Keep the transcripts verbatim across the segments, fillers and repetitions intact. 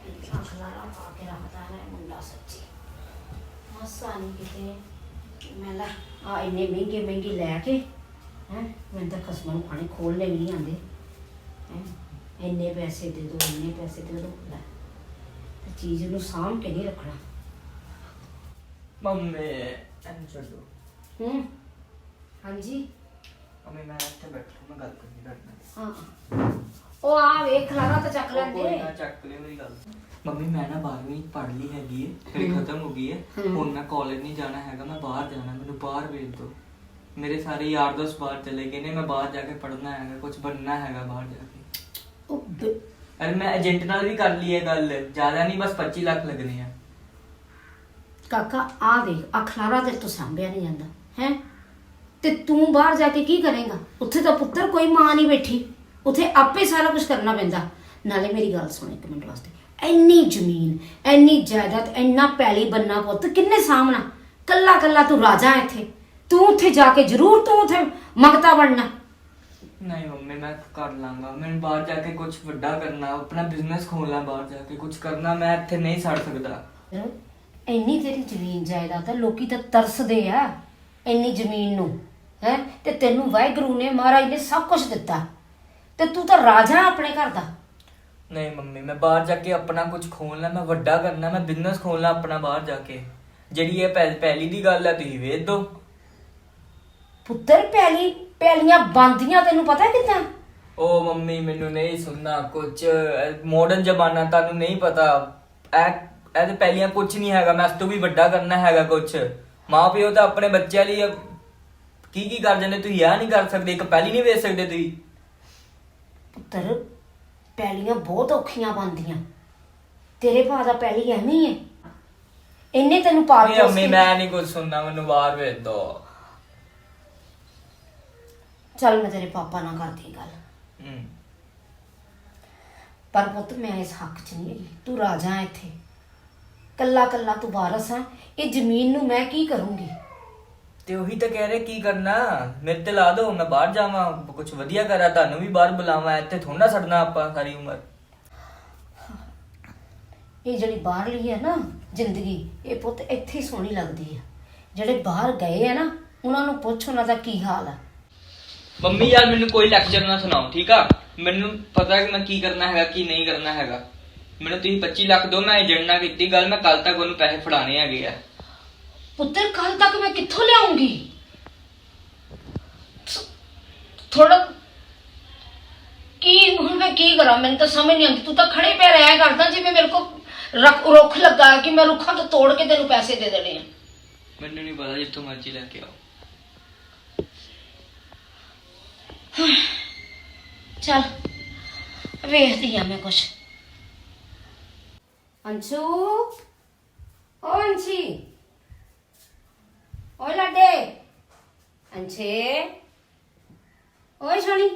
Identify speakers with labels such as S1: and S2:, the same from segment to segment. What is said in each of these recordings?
S1: इतना खलारा पा के रखता है मुंडा सच्ची मसा नहीं किते मैं ला आ इन्ने महंगे महंगे लैके हैं मैं तो खसमा नूं खाने खोलने भी नहीं आते हैं इन्ने पैसे दे दो इन्ने पैसे दे दो लै ते चीज़ नूं साम के नहीं रखना
S2: मम्मी एन छोड़ो
S1: हम्म हाँ जी
S2: मम्मी मैं ਇੱਥੇ ਬੈਠਾ ਮੈਂ ਗੱਲ ਕਰਨੀ ਕਰਨਾ
S1: हाँ ਉਹ ਆ ਵੇਖ ਖਲਾਰਾ ਤਾਂ ਚੱਕ
S2: ਕੋਈ
S1: ਲੈਂਦੇ
S2: ਨਾ ਚੱਕ ਲਿਓ ਮੇਰੀ ਗੱਲ ਮੰਮੀ ਮੈਂ ਨਾ ਬਾਰਵੀਂ ਪੜ੍ਹ ਲਈ ਹੈਗੀ ਹੈ ਮੇਰੀ ਖਤਮ ਹੋ ਗਈ ਹੈ ਹੁਣ ਮੈਂ ਕਾਲਜ ਨਹੀਂ ਜਾਣਾ ਹੈਗਾ ਮੈਂ ਬਾਹਰ ਜਾਣਾ ਮੈਨੂੰ ਬਾਹਰ ਭੇਜ ਦਿਓ ਮੇਰੇ ਸਾਰੇ ਯਾਰ ਦੋਸਤ ਬਾਹਰ ਚਲੇ ਗਏ ਨੇ ਮੈਂ ਬਾਹਰ ਜਾ ਕੇ ਪੜ੍ਹਨਾ ਹੈਗਾ ਕੁਝ ਬਣਨਾ ਹੈਗਾ ਬਾਹਰ ਜਾ ਕੇ
S1: ਉਹ ਬ-
S2: ਅਰੇ ਮੈਂ ਏਜੰਟ ਨਾਲ ਵੀ ਕਰ ਲਈ ਹੈ ਗੱਲ ਜ਼ਿਆਦਾ ਨਹੀਂ ਬਸ ਪੱਚੀ ਲੱਖ ਲੱਗਣੇ ਆ
S1: ਕਾਕਾ ਆ ਦੇਖ ਆ ਖਲਾਰਾ ਤੇਰੇ ਤੋਂ ਸਾਂਭਿਆ ਨਹੀਂ ਜਾਂਦਾ ਹੈ ਤੇ ਤੂੰ ਬਾਹਰ ਜਾ ਕੇ ਕੀ ਕਰੇਗਾ ਉੱਥੇ ਤਾਂ ਪੁੱਤਰ ਕੋਈ ਮਾਂ ਨਹੀਂ ਬੈਠੀ ਉੱਥੇ ਆਪੇ ਸਾਰਾ ਕੁਝ ਕਰਨਾ ਪੈਂਦਾ ਨਾਲੇ ਮੇਰੀ ਗੱਲ ਸੁਣ ਇੱਕ ਮਿੰਟ ਵਾਸਤੇ ਇੰਨੀ ਜ਼ਮੀਨ ਇੰਨੀ ਜਾਇਦਾਦ ਇੰਨਾ ਪੈਲੀ ਬੰਨਾ ਪੁੱਤ ਕਿੰਨੇ ਸਾਹਮਣਾ ਕੱਲਾ ਕੱਲਾ ਤੂੰ ਰਾਜਾ ਇੱਥੇ ਤੂੰ ਉੱਥੇ ਜਾ ਕੇ ਜ਼ਰੂਰ ਤੂੰ ਉੱਥੇ ਮੰਗਤਾ ਬਣਨਾ
S2: ਨਹੀਂ ਮੰਮੀ ਮੈਂ ਕਰ ਲਾਂਗਾ ਮੈਨੂੰ ਬਾਹਰ ਜਾ ਕੇ ਕੁਝ ਵੱਡਾ ਕਰਨਾ ਆਪਣਾ ਬਿਜ਼ਨਸ ਖੋਲਣਾ ਬਾਹਰ ਜਾ ਕੇ ਕੁਝ ਕਰਨਾ ਮੈਂ ਇੱਥੇ ਨਹੀਂ ਛੱਡ ਸਕਦਾ
S1: ਇੰਨੀ ਤੇਰੀ ਜ਼ਮੀਨ ਜਾਇਦਾਦ ਆ ਲੋਕੀ ਤਾਂ ਤਰਸਦੇ ਆ ਇੰਨੀ ਜ਼ਮੀਨ ਨੂੰ ਹੈ ਤੇ ਤੈਨੂੰ ਵਾਹਿਗੁਰੂ ਨੇ ਮਹਾਰਾਜ ਨੇ ਸਭ ਕੁਝ ਦਿੱਤਾ ਤੇ ਤੂੰ ਤਾਂ ਰਾਜਾ ਆਪਣੇ ਘਰ ਦਾ
S2: ਨਹੀਂ ਮੰਮੀ ਮੈਂ ਬਾਹਰ ਜਾ ਕੇ ਆਪਣਾ ਕੁਝ ਖੋਲਣਾ ਮੈਂ ਵੱਡਾ ਕਰਨਾ ਮੈਂ ਬਿਜ਼ਨਸ ਖੋਲਣਾ ਆਪਣਾ ਬਾਹਰ ਜਾ ਕੇ ਜਿਹੜੀ ਇਹ ਪਹਿ- ਪਹਿਲੀ ਦੀ ਗੱਲ ਹੈ ਤੁਸੀਂ ਵੇਚ ਦੋ
S1: ਪੁੱਤਰ ਪੈਲੀ ਪੈਲੀਆਂ ਬੰਦੀਆਂ ਤੈਨੂੰ ਪਤਾ ਕਿੱਦਾਂ
S2: ਉਹ ਮੰਮੀ ਮੈਨੂੰ ਨਹੀਂ ਸੁਣਨਾ ਕੁਝ ਮਾਡਰਨ ਜ਼ਮਾਨਾ ਤੁਹਾਨੂੰ ਨਹੀਂ ਪਤਾ ਇਹ ਇਹ ਤੇ ਪਹਿਲੀਆਂ ਕੁਝ ਨਹੀਂ ਹੈਗਾ ਮੈਂ ਇਸ ਤੋਂ ਵੀ ਵੱਡਾ ਕਰਨਾ ਹੈਗਾ ਕੁਝ ਮਾਂ ਪਿਓ ਤਾਂ ਆਪਣੇ ਬੱਚਿਆਂ ਲਈ ਕੀ ਕੀ ਕਰ ਜਾਂਦੇ ਤੁਸੀਂ ਇਹ ਨਹੀਂ ਕਰ ਸਕਦੇ ਇੱਕ ਪਹਿਲੀ ਨਹੀਂ ਵੇਚ ਸਕਦੇ ਤੁਸੀਂ
S1: ਪੁੱਤਰ ਪੈਲੀਆਂ ਬਹੁਤ ਔਖੀਆਂ ਬਣਦੀਆਂ ਤੇਰੇ ਭਾ ਦਾ ਪੈਲੀ ਐਵੇਂ ਹੀ ਹੈ ਇੰਨੇ ਤੈਨੂੰ ਪਾਲ
S2: ਨਹੀਂ ਮੰਮੀ ਮੈਂ ਨਹੀਂ ਕੁਝ ਸੁਣਨਾ ਮੈਨੂੰ ਬਾਹਰ ਵੇਚ ਦੋ
S1: ਚੱਲ ਮੈਂ ਤੇਰੇ ਪਾਪਾ ਨਾਲ ਕਰਦੀ ਗੱਲ
S2: ਹੂੰ
S1: ਪਰ ਪੁੱਤ ਮੈਂ ਇਸ ਹੱਕ 'ਚ ਨਹੀਂ ਹੈਗੀ ਤੂੰ ਰਾਜਾ ਹੈ ਇੱਥੇ ਕੱਲਾ ਕੱਲਾ ਤੂੰ ਵਾਰਸ ਆ ਇਹ ਜ਼ਮੀਨ ਨੂੰ ਮੈਂ ਕੀ ਕਰੂੰਗੀ
S2: ਤੇ ਉਹੀ ਤਾਂ ਕਹਿ ਰਹੇ ਕੀ ਕਰਨਾ ਮੇਰੇ ਤੇ ਲਾ ਦੋ ਮੈਂ ਬਾਹਰ ਜਾਵਾਂ ਕੁਝ ਵਧੀਆ ਕਰਾਂ ਤੁਹਾਨੂੰ ਵੀ ਬਾਹਰ ਬੁਲਾਵਾਂ ਇੱਥੇ ਥੋੜਾ ਛੱਡਣਾ ਆਪਾਂ ਸਾਰੀ ਉਮਰ
S1: ਇਹ ਜਿਹੜੀ ਬਾਹਰਲੀ ਹੈ ਨਾ ਜ਼ਿੰਦਗੀ ਇਹ ਪੁੱਤ ਇੱਥੇ ਹੀ ਸੋਹਣੀ ਲੱਗਦੀ ਹੈ ਜਿਹੜੇ ਬਾਹਰ ਗਏ ਆ ਨਾ ਉਹਨਾਂ ਨੂੰ ਪੁੱਛ ਉਹਨਾਂ ਦਾ ਕੀ ਹਾਲ ਆ
S2: ਮੰਮੀ ਯਾਰ ਮੈਨੂੰ ਕੋਈ ਲੈਕਚਰ ਨਾ ਸੁਣਾਓ ਠੀਕ ਆ ਮੈਨੂੰ ਪਤਾ ਕਿ ਮੈਂ ਕੀ ਕਰਨਾ ਹੈਗਾ ਕੀ ਨਹੀਂ ਕਰਨਾ ਹੈਗਾ ਮੈਨੂੰ ਤੁਸੀਂ ਪੱਚੀ ਲੱਖ ਦਿਓ ਮੈਂ ਏਜੰਟ ਨਾਲ ਕੀਤੀ ਗੱਲ ਮੈਂ ਕੱਲ ਤੱਕ ਉਹਨੂੰ ਪੈਸੇ ਫੜਾਣੇ ਹੈਗੇ ਆ
S1: ਪੁੱਤਰ ਕੱਲ ਤੱਕ ਮੈਂ ਕਿੱਥੋਂ ਲਿਆਉਂਗੀ ਥੋੜਾ ਕੀ ਹੁਣ ਮੈਂ ਕੀ ਕਰਾਂ ਮੈਨੂੰ ਤਾਂ ਸਮਝ ਨਹੀਂ ਆਉਂਦੀ ਤੂੰ ਤਾਂ ਖੜੇ ਪੈ ਰਿਹਾ ਕਰਦਾ ਜਿਵੇਂ ਮੇਰੇ ਕੋ ਰੁੱਖ ਲੱਗਾ ਕਿ ਮੈਂ ਰੁੱਖਾਂ ਤੋਂ ਤੋੜ ਕੇ ਤੈਨੂੰ ਪੈਸੇ ਦੇ ਦੇਣੇ ਆ
S2: ਮੈਨੂੰ ਨਹੀਂ ਪਤਾ ਜਿੱਥੋਂ ਮਰਜ਼ੀ ਲੈ ਕੇ ਆਓ
S1: ਚੱਲ ਵੇਖਦੀ ਆ ਮੈਂ ਕੁਛ ਅੰਸ਼ੂ ਓ ਅੰਸ਼ੀ ਓਏ ਲਾਡੇ ਅੰਸ਼ੇ ਓਏ ਸੋਣੀ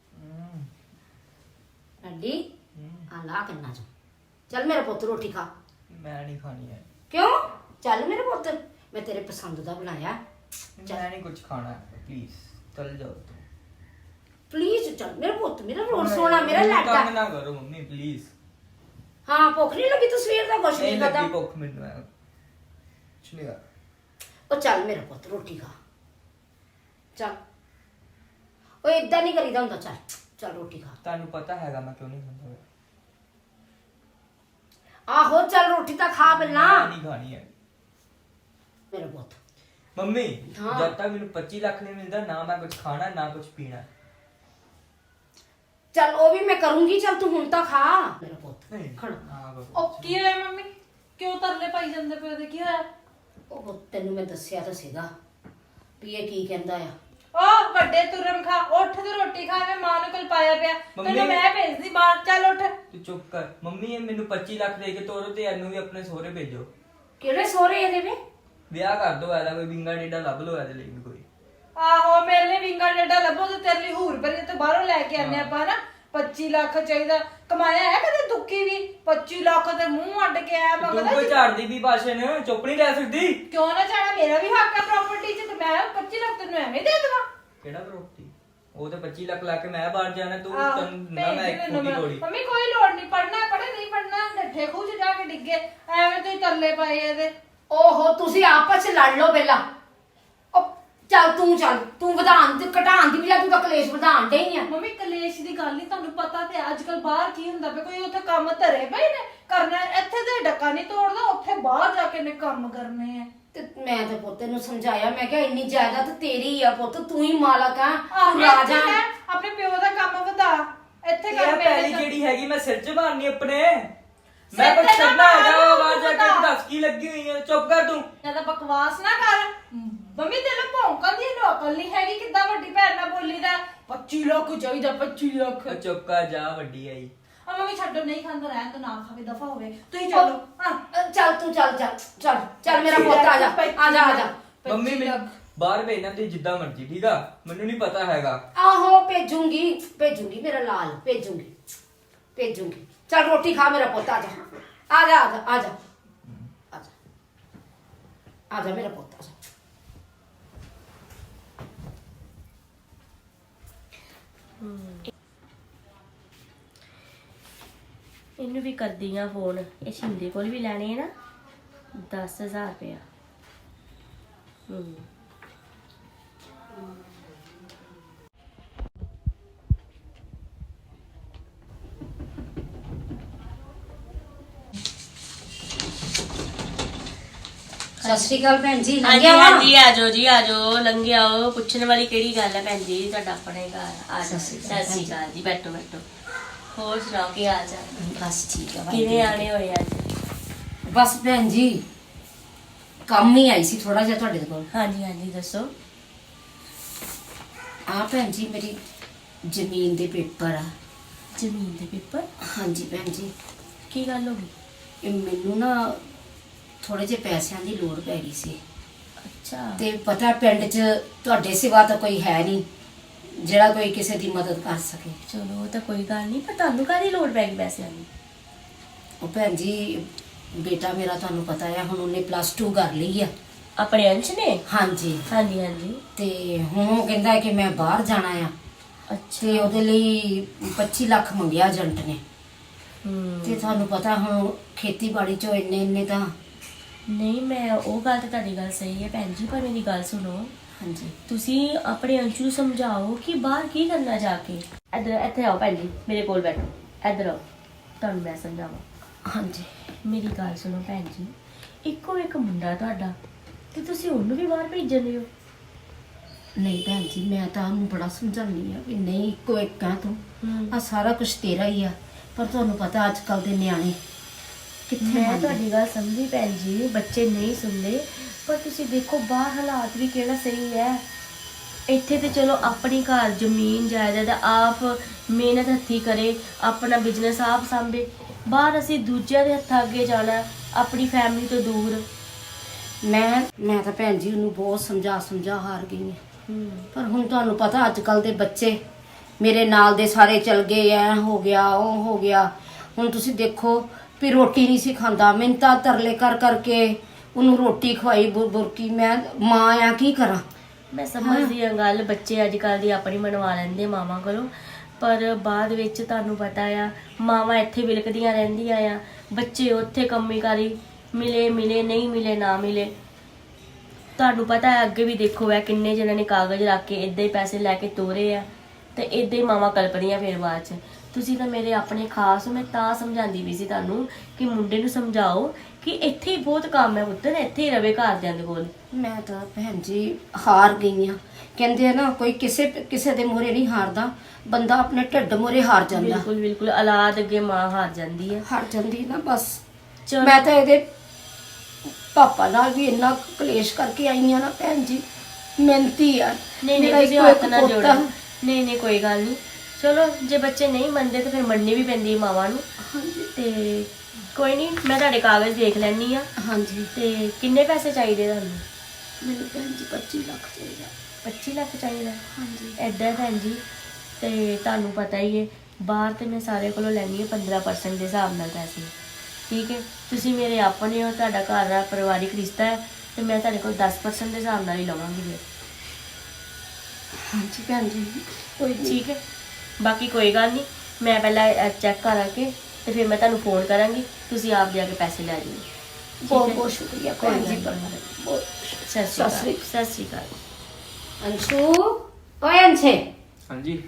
S1: ਲਾਡੀ ਆ ਲਾ ਕੰਨਾ ਚ ਚੱਲ ਮੇਰਾ ਪੁੱਤ ਰੋਟੀ ਖਾ
S2: ਮੈਂ ਨਹੀਂ ਖਾਣੀ ਹੈ
S1: ਕਿਉਂ ਚੱਲ ਮੇਰੇ ਪੁੱਤ ਮੈਂ ਤੇਰੇ ਪਸੰਦ ਦਾ ਬਣਾਇਆ
S2: ਮੈਂ ਨਹੀਂ ਕੁਝ ਖਾਣਾ ਪਲੀਜ਼ ਚੱਲ ਜਾਓ ਤੂੰ
S1: ਪਲੀਜ਼ ਚੱਲ ਮੇਰੇ ਪੁੱਤ ਮੇਰਾ ਰੋਣ ਸੋਣਾ ਮੇਰਾ ਲਾਡਾ
S2: ਤੰਗ ਨਾ ਕਰੋ ਮੰਮੀ ਪਲੀਜ਼
S1: ਹਾਂ ਭੁੱਖ ਨਹੀਂ ਲੱਗੀ ਤੂੰ ਸਵੇਰ ਦਾ ਕੁਛ
S2: ਨਹੀਂ
S1: ਨਹੀਂ
S2: ਲੱਗੀ
S1: ਖਾਦਾ
S2: ਭੁੱਖ ਮੈਨੂੰ ਹੈ ਚਲਿਆ
S1: ਉਹ ਚੱਲ ਮੇਰਾ ਪੁੱਤ ਰੋਟੀ ਖਾ ਚੱਲ ਓਏ ਇਦਾਂ ਨਹੀਂ ਕਰੀਦਾ ਹੁੰਦਾ ਚੱਲ ਚੱਲ ਰੋਟੀ ਖਾ
S2: ਤੁਹਾਨੂੰ ਪਤਾ ਹੈਗਾ ਮੈਂ ਕਿਉਂ ਨਹੀਂ ਖਾਂਦਾ
S1: ਆਹੋ ਚੱਲ ਰੋਟੀ ਤਾਂ ਖਾ ਪਹਿਲਾਂ
S2: ਮੈਂ ਨਹੀਂ ਖਾਣੀ ਹੈ
S1: ਮੇਰਾ ਪੁੱਤ
S2: ਮੰਮੀ
S1: ਹਾਂ।
S2: ਜਦ ਤੱਕ ਮੈਨੂੰ ਪੱਚੀ ਲੱਖ ਨਹੀਂ ਮਿਲਦਾ ਨਾ ਮੈਂ ਕੁਝ ਖਾਣਾ ਨਾ ਕੁਝ ਪੀਣਾ
S1: ਚੱਲ ਉਹ ਵੀ ਮੈਂ ਕਰੂੰਗੀ ਚੱਲ ਤੂੰ ਹੁਣ ਤਾਂ ਖਾ ਮੇਰਾ ਪੁੱਤ
S2: ਨਹੀਂ
S1: ਖੜ
S2: ਹਾਂ ਬਾਬਾ
S3: ਉਹ ਕੀ ਹੋਇਆ ਮੰਮੀ ਕਿਉਂ ਤਰਲੇ ਪਾਈ ਜਾਂਦੇ ਪਏ ਉਹਦੇ ਕੀ ਹੋਇਆ
S1: ਉਹ ਤੈਨੂੰ ਮੈਂ ਦੱਸਿਆ ਤਾਂ ਸੀਗਾ ਵੀ ਇਹ ਕੀ ਕਹਿੰਦਾ ਆ
S3: ਉਹ ਵੱਡੇ ਤੁਰਮ ਖਾ ਉੱਠ ਤੇ ਰੋਟੀ ਖਾ ਮੈਂ ਮਾਂ ਨੂੰ ਕੋਲ ਪਾਇਆ ਪਿਆ
S2: ਮੰਮੀ-
S3: ਤੈਨੂੰ ਮੈਂ ਭੇਜਦੀ ਬਾਹਰ ਚੱਲ ਉੱਠ
S2: ਤੂੰ ਚੁੱਪ ਕਰ ਮੰਮੀ ਇਹ ਮੈਨੂੰ ਪੱਚੀ ਲੱਖ ਦੇ ਕੇ ਤੋਰੋ ਤੇ ਇਹਨੂੰ ਵੀ ਆਪਣੇ ਸਹੁਰੇ ਭੇਜੋ
S1: ਕਿਹੜੇ ਸੋਹਰੇ ਇਹਦੇ ਵੇ
S2: ਵਿਆਹ ਕਰ ਦੋ ਇਹਦਾ ਕੋਈ ਬਿੰਗਾ ਡੇਡਾ ਲੱਭ ਲਓ ਇਹਦੇ ਲਈ ਵੀ ਕੋਈ
S3: ਆਹੋ ਮੇਰੇ ਲਈ ਵਿੰਗਾ ਡੇਡਾ ਲੱਭੋ ਤੇ ਤੇਰੇ ਲਈ ਹੂਰ ਭਰੀ ਤੇ ਬਾਹਰੋਂ ਲੈ ਕੇ ਆਨੇ ਆਪਾਂ ਨਾ ਪੱਚੀ ਲੱਖ ਚਾਹੀਦਾ ਕਮਾਇਆ ਹੈ ਕਦੇ ਦੁੱਕੀ ਵੀ ਪੱਚੀ ਲੱਖ ਤੇ ਮੂੰਹ ਅੱਡ ਕੇ ਆਇਆ
S2: ਤੂੰ
S3: ਮਗਰ
S2: ਕੋਈ ਝਾੜਦੀ ਵੀ ਭਾਸ਼ਣ ਚੁੱਪ ਨਹੀਂ ਰਹਿ ਸਕਦੀ
S3: ਕਿਉਂ ਨਾ ਚਾਹਣਾ ਮੇਰਾ ਵੀ ਹੱਕ ਹੈ ਪ੍ਰਾਪਰਟੀ 'ਚ ਤੇ ਮੈਂ ਪੱਚੀ ਲੱਖ ਤੈਨੂੰ ਐਵੇਂ ਦੇ ਦੇਵਾਂ
S2: ਕਿਹੜਾ ਪ੍ਰੋਪਰਟੀ ਉਹ ਤੇ ਪੱਚੀ ਲੱਖ ਲਾ ਕੇ ਮੈਂ ਬਾਹਰ ਜਾਣਾ ਤੂੰ
S3: ਆਹ,
S2: ਤੈਨੂੰ ਨਾ
S3: ਭੇਜ
S2: ਮੈਂ
S3: ਦੇ
S2: ਇੱਕ
S3: ਮੈਨੂੰ
S2: ਖੁਦੀ
S3: ਮੈਂ-
S2: ਕੋੜੀ
S3: ਮੰਮੀ ਕੋਈ ਲੋੜ ਨਹੀਂ ਪੜਨਾ ਪੜੇ ਨਹੀਂ ਪੜਨਾ ਠੱਠੇ ਖੂਹ 'ਚ ਜਾ ਕੇ ਡਿੱਗੇ ਐਵੇਂ ਤੁਸੀਂ ਤਰਲੇ ਪਾਏ ਇਹਦੇ।
S1: ਓਹੋ ਤੁਸੀਂ ਆਪਸ ਚ ਲੜ ਲਓ ਪਹਿਲਾਂ। ਉਹ ਚੱਲ ਤੂੰ ਚੱਲ ਤੂੰ ਵਧਾਣ ਤੇ ਘਟਾਣ ਦੀ ਬਜਾਏ ਤੂੰ ਤਾਂ ਕਲੇਸ਼ ਵਧਾਣ ਡਈ ਆ।
S3: ਮੰਮੀ ਕਲੇਸ਼ ਦੀ ਗੱਲ ਨਹੀਂ, ਤੁਹਾਨੂੰ ਪਤਾ ਤੇ ਅੱਜ ਕੱਲ ਬਾਹਰ ਕੀ ਹੁੰਦਾ ਪਿਆ, ਕੋਈ ਉੱਥੇ ਕੰਮ ਧਰੇ ਪਏ ਨੇ ਕਰਨਾ, ਇੱਥੇ ਤੇ ਡੱਕਾ ਨਹੀਂ ਤੋੜਦਾ, ਉੱਥੇ ਬਾਹਰ ਜਾ ਕੇ ਨੇ ਕੰਮ ਕਰਨੇ ਆ।
S1: ਤੇ ਮੈਂ ਤੇ ਪੁੱਤ ਨੂੰ ਸਮਝਾਇਆ, ਮੈਂ ਕਿਹਾ ਇੰਨੀ ਜਾਇਦਾਦ ਤੇਰੀ ਆ ਪੁੱਤ, ਤੂੰ ਹੀ ਮਾਲਕ ਆ,
S3: ਆਹ,
S1: ਤੂੰ
S3: ਇੱਥੇ
S1: ਰਾਜਾ।
S3: ਕਹਿ, ਆਪਣੇ ਪਿਓ ਦਾ ਕੰਮ ਵਧਾ, ਇੱਥੇ
S2: ਇਹ
S3: ਕਰ
S2: ਪਹਿਲੀ ਜਿਹੜੀ ਹੈਗੀ ਮੈਂ ਸਿਰ 'ਚ ਮਾਰਨੀ ਆਪਣੇ।
S3: ਸਿਰ
S2: ਮੈਂ ਕੁਝ
S3: ਤੇ ਨਾ
S2: ਕਰਨਾ ਹੈਗਾ
S3: ਮਾਰ,
S2: ਬਾਹਰ ਜਾ ਕੇ
S3: ਤੂੰ
S2: ਦੱਸ ਕੀ ਲੱਗੀ ਹੋਈ ਹੈ। ਚੁੱਪ ਕਰ ਤੂੰ।
S3: ਜਿਆਦਾ ਬਕਵਾਸ ਨਾ ਕਰ। ਮੰਮੀ ਤੈਨੂੰ ਭੌਂਕਣ ਦੀ ਇਹਨੂੰ ਅਕਲ ਨਹੀਂ ਹੈਗੀ, ਕਿੱਦਾਂ ਵੱਡੀ ਭੈਣ ਨਾਲ ਬੋਲੀਦਾ। ਪੱਚੀ ਲੱਖ ਚਾਹੀਦਾ, ਪੱਚੀ ਲੱਖ।
S2: ਉਹ ਚੁੱਪ ਕਰ ਜਾ, ਵੱਡੀ ਆਈ।
S3: ਆ ਮੰਮੀ ਛੱਡੋ, ਨਹੀਂ ਖਾਂਦਾ ਰਹਿਣ ਤੋਂ, ਨਾ ਖਾਵੇ, ਦਫਾ ਹੋਵੇ। ਤੁਸੀਂ ਚਲੋ। ਹਾਂ
S1: ਅ, ਚੱਲ ਤੂੰ ਚੱਲ ਚੱਲ ਚੱਲ ਚੱਲ ਮੇਰਾ ਪੁੱਤ ਆ ਜਾ ਆ ਜਾ ਆ ਜਾ।
S2: ਮੰਮੀ ਮੈਨੂੰ ਬਾਹਰ ਭੇਜਣਾ ਤੇ ਜਿੱਦਾਂ ਮਰਜੀ, ਠੀਕ ਆ? ਮੈਨੂੰ ਨਹੀਂ ਪਤਾ ਹੈਗਾ।
S1: ਆਹੋ ਭੇਜੂੰਗੀ ਭੇਜੂੰਗੀ ਮੇਰਾ ਲਾਲ, ਭੇਜੂੰਗੀ ਭੇਜੂੰਗੀ। ਚੱਲ ਰੋਟੀ ਖਾ ਮੇਰਾ ਪੁੱਤ, ਆ ਜਾ ਆ ਜਾ ਆ ਜਾ ਆ ਜਾ ਆ ਜਾ ਆ ਜਾ ਮੇਰਾ ਪੁੱਤ, ਆ ਜਾ।
S4: ਇਹਨੂੰ ਵੀ ਕਰਦੀ ਆ ਫੋਨ। ਇਹ ਸ਼ਿੰਦੇ ਕੋਲ ਵੀ ਲੈਣੇ ਆ ਨਾ ਦਸ ਹਜ਼ਾਰ ਰੁਪਇਆ। ਹੂੰ
S1: ਸਤਿ ਸ਼੍ਰੀ ਅਕਾਲ ਭੈਣ ਜੀ,
S4: ਹਾਂਜੀ
S1: ਲੰਘਿਆ ਵਾ?
S4: ਹਾਂਜੀ ਆ ਜਾਓ ਜੀ, ਆ ਜਾਓ, ਲੰਘੇ ਆਓ। ਪੁੱਛਣ ਵਾਲੀ ਕਿਹੜੀ ਗੱਲ ਹੈ ਭੈਣ ਜੀ, ਤੁਹਾਡਾ ਆਪਣਾ ਹੀ ਘਰ ਆ। ਆ ਜਾਓ।
S1: ਸਤਿ
S4: ਸਤਿ ਸ਼੍ਰੀ ਅਕਾਲ ਜੀ, ਬੈਠੋ ਬੈਠੋ। ਹੋਰ ਸੁਣਾਓ ਕੀ ਹਾਲ ਚਾਲ?
S1: ਬਸ ਠੀਕ ਆ
S4: ਕਿਵੇਂ ਆਣੇ ਹੋਏ ਅੱਜ?
S1: ਬਸ ਭੈਣ ਜੀ ਕੰਮ ਹੀ ਆਈ ਸੀ ਥੋੜਾ ਜਿਹਾ ਤੁਹਾਡੇ ਕੋਲ।
S4: ਹਾਂਜੀ ਹਾਂਜੀ ਦੱਸੋ।
S1: ਆ ਭੈਣ ਜੀ ਮੇਰੀ ਜ਼ਮੀਨ ਦੇ ਪੇਪਰ ਆ।
S4: ਜ਼ਮੀਨ ਦੇ ਪੇਪਰ?
S1: ਹਾਂਜੀ ਭੈਣ ਜੀ,
S4: ਕੀ ਗੱਲ ਹੋ ਗਈ?
S1: ਇਹ ਮੈਨੂੰ ਨਾ ਥੋੜੇ ਜਿਹੇ ਪੈਸਿਆਂ ਦੀ ਲੋੜ ਪੈ ਗਈ ਸੀ,
S4: ਅੱਛਾ
S1: ਤੇ ਪਤਾ ਪਿੰਡ 'ਚ ਤੁਹਾਡੇ ਸਿਵਾ ਤਾਂ ਕੋਈ ਹੈ ਨਹੀਂ ਜਿਹੜਾ ਕੋਈ ਕਿਸੇ ਦੀ ਮਦਦ ਕਰ ਸਕੇ।
S4: ਚਲੋ ਉਹ ਤਾਂ ਕੋਈ ਗੱਲ ਨਹੀਂ, ਪਰ ਤੁਹਾਨੂੰ ਕਾਹਦੀ ਲੋੜ ਪੈ ਗਈ ਪੈਸਿਆਂ ਦੀ?
S1: ਉਹ ਭੈਣ ਜੀ ਬੇਟਾ ਮੇਰਾ ਤੁਹਾਨੂੰ ਪਤਾ ਆ, ਹੁਣ ਉਹਨੇ ਪਲੱਸ ਟੂ ਕਰ ਲਈ ਆ।
S4: ਆਪਣੇ ਅੰਸ਼ ਨੇ?
S1: ਹਾਂਜੀ,
S4: ਹਾਂਜੀ ਹਾਂਜੀ।
S1: ਤੇ ਹੁਣ ਉਹ ਕਹਿੰਦਾ ਕਿ ਮੈਂ ਬਾਹਰ ਜਾਣਾ ਆ,
S4: ਅੱਛਾ।
S1: ਤੇ ਉਹਦੇ ਲਈ ਪੱਚੀ ਲੱਖ ਮੰਗਿਆ ਏਜੰਟ ਨੇ।
S4: ਹੂੰ
S1: ਤੇ ਤੁਹਾਨੂੰ ਪਤਾ ਹੁਣ ਖੇਤੀਬਾੜੀ 'ਚੋਂ ਇੰਨੇ ਇੰਨੇ ਤਾਂ।
S4: ਨਹੀਂ, ਮੈਂ ਉਹ ਗੱਲ ਤਾਂ ਤੁਹਾਡੀ ਗੱਲ ਸਹੀ ਹੈ ਭੈਣ ਜੀ, ਪਰ ਮੇਰੀ ਗੱਲ ਸੁਣੋ।
S1: ਹਾਂਜੀ
S4: ਤੁਸੀਂ ਆਪਣੇ ਅੰਸ਼ੂ ਨੂੰ ਸਮਝਾਓ ਕਿ ਬਾਹਰ ਕੀ ਕਰਨਾ ਜਾ ਕੇ। ਇੱਧਰ ਇੱਥੇ ਆਓ ਭੈਣ ਜੀ, ਮੇਰੇ ਕੋਲ ਬੈਠੋ। ਇੱਧਰ ਆਓ, ਤੁਹਾਨੂੰ ਮੈਂ ਸਮਝਾਵਾਂ।
S1: ਹਾਂਜੀ
S4: ਮੇਰੀ ਗੱਲ ਸੁਣੋ ਭੈਣ ਜੀ, ਇੱਕੋ ਇੱਕ ਮੁੰਡਾ ਤੁਹਾਡਾ, ਤੇ ਤੁਸੀਂ ਉਹਨੂੰ ਵੀ ਬਾਹਰ ਭੇਜਣ ਹੋ?
S1: ਨਹੀਂ ਭੈਣ ਜੀ, ਮੈਂ ਤਾਂ ਉਹਨੂੰ ਬੜਾ ਸਮਝਾਉਂਦੀ ਆ ਵੀ ਨਹੀਂ, ਇੱਕੋ ਇੱਕ ਆ ਤੂੰ,
S4: ਹੂੰ।
S1: ਆ ਸਾਰਾ ਕੁਝ ਤੇਰਾ ਹੀ ਆ। ਪਰ ਤੁਹਾਨੂੰ ਪਤਾ ਅੱਜ ਕੱਲ ਦੇ ਨਿਆਣੇ ਕਿੱਥੇ
S4: ਮੈਂ
S1: ਮੰਨਦੇ।
S4: ਤੁਹਾਡੀ ਗੱਲ ਸਮਝੀ ਭੈਣ ਜੀ, ਬੱਚੇ ਨਹੀਂ ਸੁਣਦੇ, ਪਰ ਤੁਸੀਂ ਦੇਖੋ ਬਾਹਰ ਹਾਲਾਤ ਵੀ ਕਿਹੜਾ ਸਹੀ ਹੈ। ਇੱਥੇ ਤੇ ਚਲੋ ਆਪਣੀ ਘਰ ਜ਼ਮੀਨ ਜਾਇਦਾਦ ਆਪ ਮਿਹਨਤ ਹੱਥੀ ਕਰੇ, ਆਪਣਾ ਬਿਜ਼ਨਸ ਆਪ ਸੰਭੇ। ਬਾਹਰ ਅਸੀਂ ਦੂਜਿਆਂ ਦੇ ਹੱਥਾਂ ਅੱਗੇ ਜਾਣਾ, ਆਪਣੀ ਫੈਮਿਲੀ ਤੋਂ ਦੂਰ।
S1: ਮੈਂ ਮੈਂ ਤਾਂ ਭੈਣ ਜੀ ਉਹਨੂੰ ਬਹੁਤ ਸਮਝਾ ਸਮਝਾ ਹਾਰ ਗਈ ਹਾਂ।
S4: ਹੂੰ
S1: ਪਰ ਹੁਣ ਤੁਹਾਨੂੰ ਪਤਾ ਅੱਜ ਕੱਲ ਦੇ ਬੱਚੇ ਮੇਰੇ ਨਾਲ ਦੇ ਸਾਰੇ ਚਲ ਗਏ, ਐ ਹੋ ਗਿਆ ਉਹ ਹੋ ਗਿਆ। ਹੁਣ ਤੁਸੀਂ ਦੇਖੋ ਵੀ ਰੋਟੀ ਨਹੀਂ ਸੀ ਖਾਂਦਾ, ਮਿੰਤਾ ਤਰਲੇ ਕਰ ਕਰਕੇ ਉਹਨੂੰ ਰੋਟੀ ਖਵਾਈ ਬੁਰ ਬੁਰਕੀ। ਮੈਂ ਮਾਂ ਆ, ਕੀ ਕਰਾਂ।
S4: ਮੈਂ ਸਮਝਦੀ ਹਾਂ ਗੱਲ, ਬੱਚੇ ਅੱਜ ਕੱਲ੍ਹ ਦੀ ਆਪਣੀ ਮਨਵਾ ਲੈਂਦੇ ਮਾਵਾਂ ਕੋਲੋਂ, ਪਰ ਬਾਅਦ ਵਿੱਚ ਤੁਹਾਨੂੰ ਪਤਾ ਆ ਮਾਵਾਂ ਇੱਥੇ ਵਿਲਕਦੀਆਂ ਰਹਿੰਦੀਆਂ ਆ, ਬੱਚੇ ਉੱਥੇ ਕੰਮੀ ਕਾਰੀ, ਮਿਲੇ ਮਿਲੇ ਨਹੀਂ ਮਿਲੇ ਨਾ ਮਿਲੇ। ਤੁਹਾਨੂੰ ਪਤਾ ਹੈ ਅੱਗੇ ਵੀ ਦੇਖੋ ਹੈ ਕਿੰਨੇ ਜਿਹਨਾਂ ਨੇ ਕਾਗਜ਼ ਰੱਖ ਕੇ ਇੱਦਾਂ ਹੀ ਪੈਸੇ ਲੈ ਕੇ ਤੋਰੇ ਆ, ਤੇ ਇੱਦਾਂ ਹੀ ਮਾਵਾਂ ਕਲਪਦੀਆਂ ਫਿਰ ਬਾਅਦ 'ਚ। ਤੁਸੀਂ ਤਾਂ ਮੇਰੇ ਆਪਣੇ ਖਾਸ ਹੋ, ਮੈਂ ਤਾਂ ਸਮਝਾਉਂਦੀ ਵੀ ਸੀ ਤੁਹਾਨੂੰ ਕਿ ਮੁੰਡੇ ਨੂੰ ਸਮਝਾਓ ਕਿ ਇੱਥੇ ਹੀ ਬਹੁਤ ਕੰਮ ਹੈ ਪੁੱਤਰ, ਇੱਥੇ ਹੀ ਰਵੇ ਘਰਦਿਆਂ ਦੇ ਕੋਲ।
S1: ਮੈਂ ਤਾਂ ਭੈਣ ਜੀ ਹਾਰ ਗਈ ਆ। ਕਹਿੰਦੇ ਆ ਨਾ ਕੋਈ ਕਿਸੇ ਕਿਸੇ ਦੇ ਮੂਹਰੇ ਨਹੀਂ ਹਾਰਦਾ, ਬੰਦਾ ਆਪਣੇ ਢਿੱਡ ਮੂਹਰੇ ਹਾਰ ਜਾਂਦਾ।
S4: ਬਿਲਕੁਲ ਬਿਲਕੁਲ, ਔਲਾਦ ਅੱਗੇ ਮਾਂ ਹਾਰ ਜਾਂਦੀ ਹੈ।
S1: ਹਾਰ ਜਾਂਦੀ ਨਾ ਬਸ।
S4: ਚਲੋ
S1: ਮੈਂ ਤਾਂ ਇਹਦੇ ਪਾਪਾ ਨਾਲ ਵੀ ਇੰਨਾ ਕਲੇਸ਼ ਕਰਕੇ ਆਈ ਆ ਨਾ ਭੈਣ ਜੀ, ਮਿਹਨਤੀ ਆ।
S4: ਨਹੀਂ ਨਹੀਂ,
S1: ਮੇਰਾ
S4: ਤੁਸੀਂ
S1: ਇੱਕੋ
S4: ਹੱਥ
S1: ਇੱਕ
S4: ਨਾ
S1: ਪੋਤਾ।
S4: ਜੋੜੋ। ਨਹੀਂ ਨਹੀਂ ਕੋਈ ਗੱਲ ਨਹੀਂ, ਚਲੋ ਜੇ ਬੱਚੇ ਨਹੀਂ ਮੰਨਦੇ ਤਾਂ ਫਿਰ ਮੰਨਣੀ ਵੀ ਪੈਂਦੀ ਹੈ ਮਾਵਾਂ ਨੂੰ।
S1: ਹਾਂਜੀ
S4: ਤੇ ਕੋਈ ਨਹੀਂ, ਮੈਂ ਤੁਹਾਡੇ ਕਾਗਜ਼ ਦੇਖ ਲੈਣੀ ਆ।
S1: ਹਾਂਜੀ।
S4: ਤੇ ਕਿੰਨੇ ਪੈਸੇ ਚਾਹੀਦੇ ਤੁਹਾਨੂੰ?
S1: ਮੈਨੂੰ ਭੈਣ ਜੀ ਪੱਚੀ ਲੱਖ ਚਾਹੀਦਾ।
S4: ਪੱਚੀ ਲੱਖ ਚਾਹੀਦਾ?
S1: ਹਾਂਜੀ।
S4: ਐਦਾਂ ਹੈ ਭੈਣ ਜੀ, ਤੇ ਤੁਹਾਨੂੰ ਪਤਾ ਹੀ ਹੈ ਬਾਹਰ ਤੇ ਮੈਂ ਸਾਰੇ ਕੋਲੋਂ ਲੈਣੀ ਹੈ ਪੰਦਰਾਂ ਪਰਸੈਂਟ ਦੇ ਹਿਸਾਬ ਨਾਲ ਪੈਸੇ, ਠੀਕ ਹੈ? ਤੁਸੀਂ ਮੇਰੇ ਆਪਣੇ ਹੋ, ਤੁਹਾਡਾ ਘਰ ਦਾ ਪਰਿਵਾਰਿਕ ਰਿਸ਼ਤਾ ਹੈ, ਤੇ ਮੈਂ ਤੁਹਾਡੇ ਕੋਲ ਦਸ ਪਰਸੈਂਟ ਦੇ ਹਿਸਾਬ ਨਾਲ ਹੀ ਲਵਾਂਗੀ ਫਿਰ।
S1: ਹਾਂਜੀ ਭੈਣ ਜੀ ਕੋਈ ਨਹੀਂ।
S4: ਠੀਕ ਹੈ, ਬਾਕੀ ਕੋਈ ਗੱਲ ਨਹੀਂ, ਮੈਂ ਪਹਿਲਾਂ ਚੈੱਕ ਕਰਾਂਗੇ ਤੇ ਫਿਰ ਮੈਂ ਤੁਹਾਨੂੰ ਫੋਨ ਕਰਾਂਗੀ, ਤੁਸੀਂ ਆਪ ਜਾ ਕੇ ਪੈਸੇ ਲੈ ਜਿਓ।
S1: ਬਹੁਤ ਬਹੁਤ ਸ਼ੁਕਰੀਆ
S4: ਕੋਈ
S1: ਭੈਣ ਜੀ
S4: ਗੱਲ ਨਹੀਂ।
S1: ਬਹੁਤ
S4: ਸਤਿ ਸ਼੍ਰੀ ਅਕਾਲ। ਸਤਿ ਸ਼੍ਰੀ ਅਕਾਲ।
S1: ਅੰਸ਼ੂ ਓਏ ਅੰਸ਼ੇ
S2: ਹਾਂਜੀ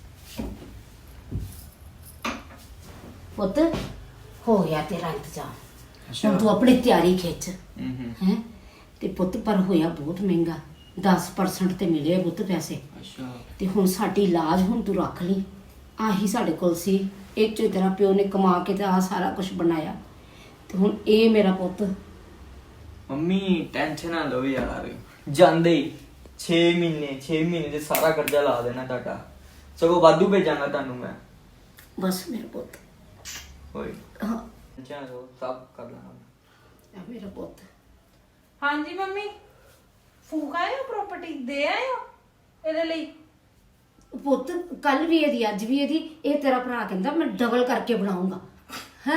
S1: ਪੁੱਤ ਹੋ ਗਿਆ ਤੇਰਾ ਇੰਤਜ਼ਾਮ। ਹੁਣ ਤੂੰ ਆਪਣੀ ਤਿਆਰੀ ਖਿੱਚ
S2: ਹੂੰ ਹੂੰ
S1: ਹੈ ਤੇ ਪੁੱਤ ਪਰ ਹੋਇਆ ਬਹੁਤ ਮਹਿੰਗਾ ਦਸ ਪਰਸੈਂਟ ਤੇ ਮਿਲੇ ਆ ਪੁੱਤ ਪੈਸੇ
S2: ਅੱਛਾ
S1: ਤੇ ਹੁਣ ਸਾਡੀ ਲਾਜ ਹੁਣ ਤੂੰ ਰੱਖ ਲਈ ਆਹੀ ਸਾਡੇ ਕੋਲ ਸੀ ਇਹ ਚੋਂ ਤੇਰਾ ਪਿਓ ਨੇ ਕਮਾ ਕੇ ਤੇ ਆ ਸਾਰਾ ਕੁਝ ਬਣਾਇਆ ਤੇ ਹੁਣ ਇਹ ਮੇਰਾ ਪੁੱਤ
S2: ਮੰਮੀ ਟੈਨਸ਼ਨ ਨਾ ਲਓ ਯਾਰ ਜਾਂਦੇ ਹੀ ਛੇ ਮਹੀਨੇ ਛੇ ਮਹੀਨੇ ਦੇ ਸਾਰਾ ਕਰਜ਼ਾ ਲਾ ਦੇਣਾ ਤੁਹਾਡਾ ਸਗੋਂ ਵਾਧੂ ਭੇਜਾਂਗਾ ਤੁਹਾਨੂੰ ਮੈਂ
S1: ਬਸ ਮੇਰਾ ਪੁੱਤ
S2: ਓਏ
S1: ਹਾਂ
S2: ਟੈਨਸ਼ਨ ਨਾ ਲਓ ਸਭ ਕਰ ਲਾਂਗਾ
S1: ਇਹ ਮੇਰਾ ਪੁੱਤ
S3: ਹਾਂਜੀ ਮੰਮੀ ਫੂਕ ਆਏ ਹੋ ਪ੍ਰਾਪਰਟੀ ਦੇ ਆਏ ਹੋ ਇਹਦੇ ਲਈ
S1: ਪੁੱਤ ਕੱਲ ਵੀ ਇਹਦੀ ਅੱਜ ਵੀ ਇਹਦੀ ਇਹ ਤੇਰਾ ਭਰਾ ਕਹਿੰਦਾ ਮੈਂ ਡਬਲ ਕਰਕੇ ਬਣਾਉਂਗਾ ਹੈ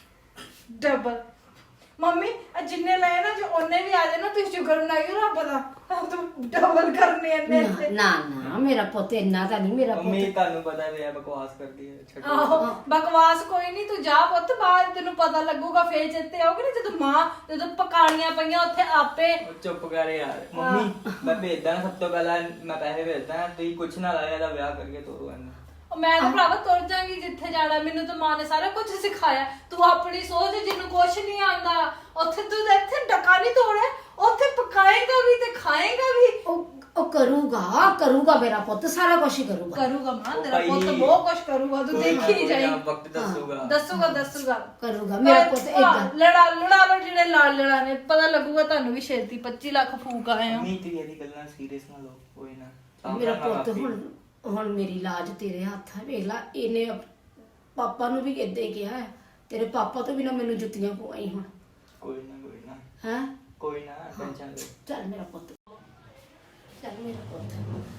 S3: ਡਬਲ ਮੰਮੀ ਆ ਜਿੰਨੇ ਲਏ ਨਾ ਜੋ ਉਹਨੇ ਵੀ ਆ ਜਾਏ ਨਾ ਤੁਸੀਂ ਸ਼ੁਕਰ ਮਨਾਇਓ ਰੱਬ ਦਾ ਤੂੰ ਡਬਲ ਕਰਨੇ ਇਹਨੇ
S1: ਨਾ ਨਾ ਨਾ ਮੇਰਾ ਪੁੱਤ ਇੰਨਾ ਤਾਂ ਨਹੀਂ ਮੇਰਾ
S2: ਮੰਮੀ
S1: ਪੁੱਤ
S2: ਤੁਹਾਨੂੰ ਪਤਾ ਵੀ ਹੈ ਬਕਵਾਸ ਕਰਦੀ ਹੈ ਛੱਡੋ
S3: ਆਹੋ ਬਕਵਾਸ ਕੋਈ ਨਹੀਂ ਤੂੰ ਜਾ ਪੁੱਤ ਬਾਹਰ ਤੈਨੂੰ ਪਤਾ ਲੱਗੂਗਾ ਫੇਰ ਚੇਤੇ ਆਉਗੀ ਨਾ ਜਦੋਂ ਮਾਂ ਜਦੋਂ ਪਕਾਣੀਆਂ ਪਈਆਂ ਉੱਥੇ ਆਪੇ
S2: ਉਹ ਚੁੱਪ ਕਰ ਯਾਰ ਮੰਮੀ ਮੈਂ ਭੇਜਦਾ ਸਭ ਤੋਂ ਪਹਿਲਾਂ ਮੈਂ ਪੈਸੇ ਭੇਜਦਾ ਤੁਸੀਂ ਕੁਛ ਨਾ ਲਾਇਆ ਇਹਦਾ ਵਿਆਹ ਕਰਕੇ ਤੋਰੋ ਇਹਨੂੰ
S3: ਉਹ ਮੈਂ ਤਾਂ ਭਰਾਵਾ ਤੁਰ ਜਾਗੀ ਜਿੱਥੇ ਜਾਣਾ ਮੈਨੂੰ ਤਾਂ ਮਾਂ ਨੇ ਸਾਰਾ ਕੁਝ ਸਿਖਾਇਆ ਤੂੰ ਆਪਣੀ ਸੋਚ ਜਿਹਨੂੰ ਕੁਝ ਨਹੀਂ ਆਉਂਦਾ ਉੱਥੇ ਤੂੰ ਤਾਂ ਇੱਥੇ ਡਕਾ ਨਹੀਂ ਤੋੜਿਆ ਉੱਥੇ ਪਕਾਏਗਾ ਵੀ ਤੇ ਖਾਏਗਾ ਵੀ
S1: ਉਹ ਉਹ ਕਰੂਗਾ ਕਰੂਗਾ ਮੇਰਾ ਪੁੱਤ ਸਾਰਾ ਕੁਝ ਹੀ ਕਰੂਗਾ
S3: ਕਰੂਗਾ ਮਾਂ
S2: ਉਹ
S3: ਤੇਰਾ ਪੁੱਤ
S2: ਭਾਈ,
S3: ਬਹੁਤ ਕੁਝ ਕਰੂਗਾ ਤੂੰ
S2: ਕੋਈ ਨਾ,
S3: ਦੇਖੀ
S2: ਕੋਈ
S3: ਜਾਈ
S2: ਨਾ, ਵਕਤ ਦੱਸੂਗਾ
S3: ਦੱਸੂਗਾ ਦੱਸੂਗਾ
S1: ਕਰੂਗਾ ਮੇਰਾ ਪੁੱਤ
S3: ਹਾਂ,
S1: ਏਦਾਂ
S3: ਲੜਾ ਲੜਾ ਲੋ ਜਿਹੜੇ ਲਾਲ ਲੜਾ ਨੇ ਪਤਾ ਲੱਗੂਗਾ ਤੁਹਾਨੂੰ ਵੀ ਛੇਤੀ ਪੱਚੀ ਲੱਖ ਫੂਕ ਆਏ ਆ
S2: ਨਹੀਂ ਤੁਸੀਂ ਇਹਦੀ ਗੱਲਾਂ ਸੀਰੀਅਸ ਨਾ ਲਓ ਕੋਈ ਨਾ ਸਾਂਭ
S1: ਮੇਰਾ
S2: ਲਾਂਗਾ
S1: ਪੁੱਤ
S2: ਆਪੇ।
S1: ਹੁਣ ਹੁਣ ਮੇਰੀ ਲਾਜ ਤੇਰੇ ਹੱਥ ਹੈ ਵੇਖ ਲਾ ਇਹਨੇ ਪਾਪਾ ਨੂੰ ਵੀ ਏਦਾਂ ਹੀ ਕਿਹਾ ਹੈ ਤੇਰੇ ਪਾਪਾ ਤੋਂ ਵੀ ਨਾ ਮੈਨੂੰ ਜੁੱਤੀਆਂ ਪਵਾਈ ਹੁਣ
S2: ਕੋਈ ਨਾ ਕੋਈ ਨਾ
S1: ਹੈ
S2: ਕੋਈ ਨਾ ਟੈਨਸ਼ਨ ਲਓ
S1: ਚੱਲ ਮੇਰਾ ਪੁੱਤ ਚੱਲ ਮੇਰਾ ਪੁੱਤ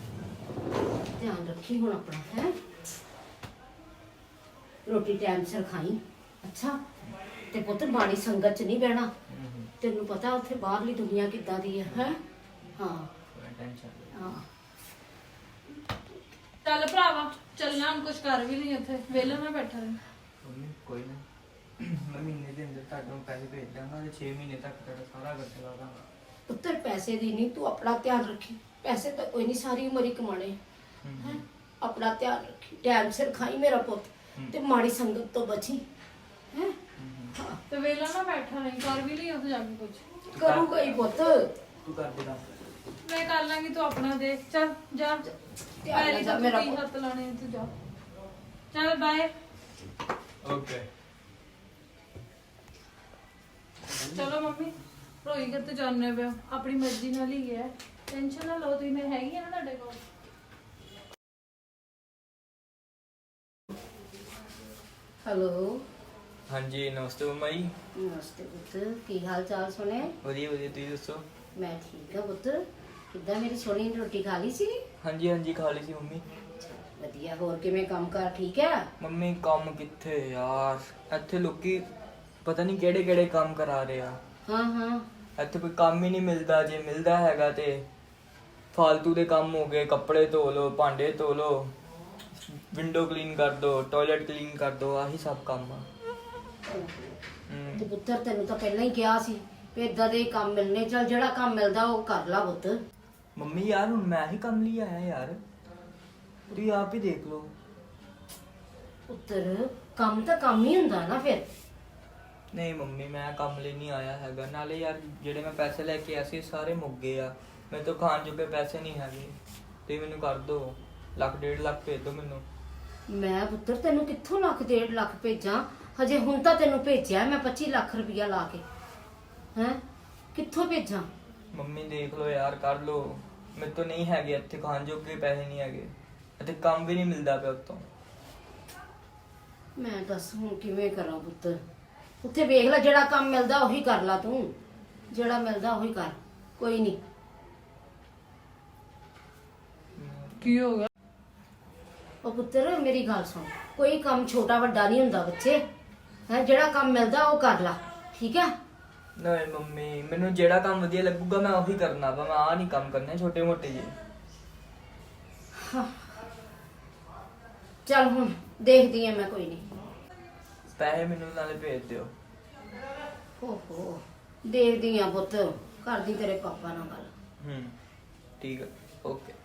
S1: ਧਿਆਨ ਰੱਖੀ ਹੁਣ ਆਪਣਾ ਹੈ ਰੋਟੀ ਟਾਈਮ ਸਿਰ ਖਾਈ ਅੱਛਾ ਤੇ ਪੁੱਤ ਬਾਣੀ ਸੰਗਤ ਚ ਨਹੀਂ ਬਹਿਣਾ ਤੈਨੂੰ ਪਤਾ ਉੱਥੇ ਬਾਹਰਲੀ ਦੁਨੀਆ ਕਿੱਦਾਂ ਦੀ ਹੈ ਹੈ ਹਾਂ
S2: ਕੋਈ ਟੈਨਸ਼ਨ
S1: ਹਾਂ
S3: ਚੱਲ ਭਰਾਵਾ ਚੱਲਣਾ ਹੁਣ ਕੁਝ ਕਰ ਵੀ ਨਹੀਂ ਉੱਥੇ ਵਿਹਲਾ ਮੈਂ ਬੈਠਾ ਰਹਿ
S2: ਮੰਮੀ ਕੋਈ ਨਾ ਮੈਂ ਮਹੀਨੇ ਦੇ ਅੰਦਰ ਤੁਹਾਨੂੰ ਪੈਸੇ ਭੇਜ ਦਾਂਗਾ ਤੇ ਛੇ ਮਹੀਨੇ ਤੱਕ ਤੁਹਾਡਾ ਸਾਰਾ ਖਰਚਾ ਲਾ ਦਾਂਗਾ
S1: ਪੁੱਤਰ ਪੈਸੇ ਦੀ ਨਹੀਂ ਤੂੰ ਆਪਣਾ ਧਿਆਨ ਰੱਖੀ ਪੈਸੇ ਤਾਂ ਕੋਈ ਨਹੀਂ ਸਾਰੀ ਉਮਰ ਹੀ ਕਮਾਣੇ ਹੈ ਆਪਣਾ ਧਿਆਨ ਰੱਖੀ ਟਾਈਮ ਸਿਰ ਖਾਈ ਮੇਰਾ ਪੁੱਤ ਤੇ ਮਾੜੀ ਸੰਗਤ ਤੋਂ ਬਚੀ ਹੈ ਹਾਂ
S3: ਤੇ ਵਿਹਲਾ ਨਾ ਬੈਠਾ ਨਹੀਂ ਕਰ ਵੀ ਲਈ ਉੱਥੇ ਜਾ ਕੇ ਕੁਝ
S1: ਕਰੂਗਾ ਹੀ ਪੁੱਤ
S2: ਤੂੰ ਕਰ ਦੇ ਦੱਸ
S3: ਮੈਂ ਕਰ ਲਾਂਗੀ ਤੂੰ ਆਪਣਾ ਦੇਖ ਚੱਲ ਜਾ
S1: ਧਿਆਨ ਨਾਲ ਜਾ ਮੇਰਾ
S3: ਮੇਰਾ ਹੱਥ ਲਾਣੇ ਤੂੰ ਜਾ ਚੱਲ ਬਾਏ
S2: ਓਕੇ
S3: ਚਲੋ ਮੰਮੀ ਰੋਈ ਕਿਤੇ ਜਾਣੇ ਪਿਆ ਆਪਣੀ ਮਰਜ਼ੀ ਨਾਲ ਹੀ ਗਿਆ ਟੈਨਸ਼ਨ ਨਾ ਲਓ ਤੁਸੀਂ ਮੈਂ ਹੈਗੀ ਆ ਨਾ ਤੁਹਾਡੇ ਕੋਲ
S1: ਹੈਲੋ
S2: ਹਾਂਜੀ ਨਮਸਤੇ ਮੰਮਾ ਜੀ
S1: ਨਮਸਤੇ ਪੁੱਤ ਕੀ ਹਾਲ ਚਾਲ ਸੁਣੇ
S2: ਵਧੀਆ ਵਧੀਆ ਤੁਸੀਂ ਦੱਸੋ
S1: ਮੈਂ ਠੀਕ ਆ ਪੁੱਤ ਕਿੱਦਾਂ ਮੇਰੀ ਸੋਹਣੀ ਨੇ ਰੋਟੀ ਖਾ ਲਈ ਸੀ
S2: ਹਾਂਜੀ ਹਾਂਜੀ ਖਾ ਲਈ ਸੀ ਮੰਮੀ
S1: ਵਧੀਆ ਹੋਰ ਕਿਵੇਂ ਕੰਮ ਕਾਰ ਠੀਕ ਹੈ
S2: ਮੰਮੀ ਕੰਮ ਕਿੱਥੇ ਯਾਰ ਇੱਥੇ ਲੋਕੀ ਪਤਾ ਨਹੀਂ ਕਿਹੜੇ ਕਿਹੜੇ ਕੰਮ ਕਰਾ ਰਹੇ ਆ
S1: ਹਾਂ ਹਾਂ
S2: ਇੱਥੇ ਕੋਈ ਕੰਮ ਹੀ ਨਹੀਂ ਮਿਲਦਾ ਜੇ ਮਿਲਦਾ ਹੈਗਾ ਤੇ ਫालतू ਦੇ ਕੰਮ ਹੋ ਗਏ ਕੱਪੜੇ ਧੋ ਲਓ ਭਾਂਡੇ ਧੋ ਲਓ ਵਿੰਡੋ ਕਲੀਨ ਕਰ ਦੋ ਟਾਇਲਟ ਕਲੀਨ ਕਰ ਦੋ ਆਹੀ ਸਭ ਕੰਮ ਆ ਹਮ,
S1: ਤੇ ਪੁੱਤਰ ਤੈਨੂੰ ਤਾਂ ਪਹਿਲਾਂ ਹੀ ਕਿਹਾ ਸੀ ਵੀ ਇਦਾਂ ਦੇ ਕੰਮ ਮਿਲਨੇ ਚੱਲ ਜਿਹੜਾ ਕੰਮ ਮਿਲਦਾ ਉਹ ਕਰ ਲਾ ਪੁੱਤ
S2: ਮੰਮੀ ਯਾਰ ਹੁਣ ਮੈਂ ਹੀ ਕੰਮ ਲਈ ਆਇਆ ਯਾਰ ਤੁਸੀਂ ਆਪ ਹੀ ਦੇਖ ਲਓ
S1: ਪੁੱਤਰ ਕੰਮ ਤਾਂ ਕੰਮ ਹੀ ਹੁੰਦਾ ਨਾ ਫਿਰ
S2: ਨਹੀਂ ਮੰਮੀ ਮੈਂ ਕੰਮ ਲਈ ਨਹੀਂ ਆਇਆ ਹੈਗਾ ਨਾਲੇ ਯਾਰ ਜਿਹੜੇ ਮੈਂ ਪੈਸੇ ਲੈ ਕੇ ਆਇਆ ਸੀ ਸਾਰੇ ਮੁੱਕ ਗਏ ਆ ਮੇਰੇ ਤੋਂ ਖਾਣ ਜੋਗੇ ਪੈਸੇ ਨਹੀਂ ਹੈਗੇ ਤੇ ਮੈਨੂੰ ਕਰ ਦਿਓ ਲੱਖ ਡੇਢ ਲੱਖ ਭੇਜ ਦਿਓ ਮੈਨੂੰ
S1: ਮੈਂ ਪੁੱਤਰ ਤੈਨੂੰ ਕਿੱਥੋਂ ਲੱਖ ਡੇਢ ਲੱਖ ਭੇਜਾਂ ਹਜੇ ਹੁਣ ਤਾਂ ਤੈਨੂੰ ਭੇਜਿਆ ਮੈਂ ਪੱਚੀ ਲੱਖ ਰੁਪਇਆ ਲਾ ਕੇ ਹੈ ਕਿੱਥੋਂ ਭੇਜਾਂ
S2: ਮੰਮੀ ਦੇਖ ਲਓ ਯਾਰ ਕਰ ਲਓ ਮੇਰੇ ਤੋਂ ਨਹੀਂ ਹੈਗੇ ਇੱਥੇ ਖਾਣ ਜੋਗੇ ਪੈਸੇ ਨਹੀਂ ਹੈਗੇ ਅਤੇ ਕੰਮ ਵੀ ਨਹੀਂ ਮਿਲਦਾ ਪਿਆ ਉੱਤੋਂ
S1: ਮੈਂ ਦੱਸ ਹੁਣ ਕਿਵੇਂ ਕਰਾਂ ਪੁੱਤ ਉੱਥੇ ਵੇਖ ਲੈ ਜਿਹੜਾ ਕੰਮ ਮਿਲਦਾ ਉਹੀ ਕਰ ਲਾ ਤੂੰ ਜਿਹੜਾ ਮਿਲਦਾ ਉਹੀ ਕਰ ਕੋਈ ਨਹੀਂ
S3: ਕੀ ਹੋ ਗਿਆ
S1: ਉਹ ਪੁੱਤਰ ਮੇਰੀ ਗੱਲ ਸੁਣ ਕੋਈ ਕੰਮ ਛੋਟਾ ਵੱਡਾ ਨਹੀਂ ਹੁੰਦਾ ਬੱਚੇ ਹੈ ਜਿਹੜਾ ਕੰਮ ਮਿਲਦਾ ਉਹ ਕਰ ਲਾ ਠੀਕ ਹੈ
S2: ਨਹੀਂ ਮੰਮੀ ਮੈਨੂੰ ਜਿਹੜਾ ਕੰਮ ਵਧੀਆ ਲੱਗੂਗਾ ਮੈਂ ਉਹੀ ਕਰਨਾ ਵਾ ਮੈਂ ਆ ਨਹੀਂ ਕੰਮ ਕਰਨੇ ਛੋਟੇ ਮੋਟੇ ਜਿਹੇ
S1: ਚੱਲ ਹੁਣ ਦੇਖਦੀ ਆ ਮੈਂ ਕੋਈ ਨਹੀਂ
S2: ਪੈਸੇ ਮੈਨੂੰ ਨਾਲੇ ਭੇਜ ਦਿਓ।
S1: ਓਹੋ ਦੇਖਦੀ ਆ ਪੁੱਤ, ਕਰਦੀ ਤੇਰੇ ਪਾਪਾ ਨਾਲ ਗੱਲ।
S2: ਹੂੰ ਠੀਕ ਹੈ ਓਕੇ।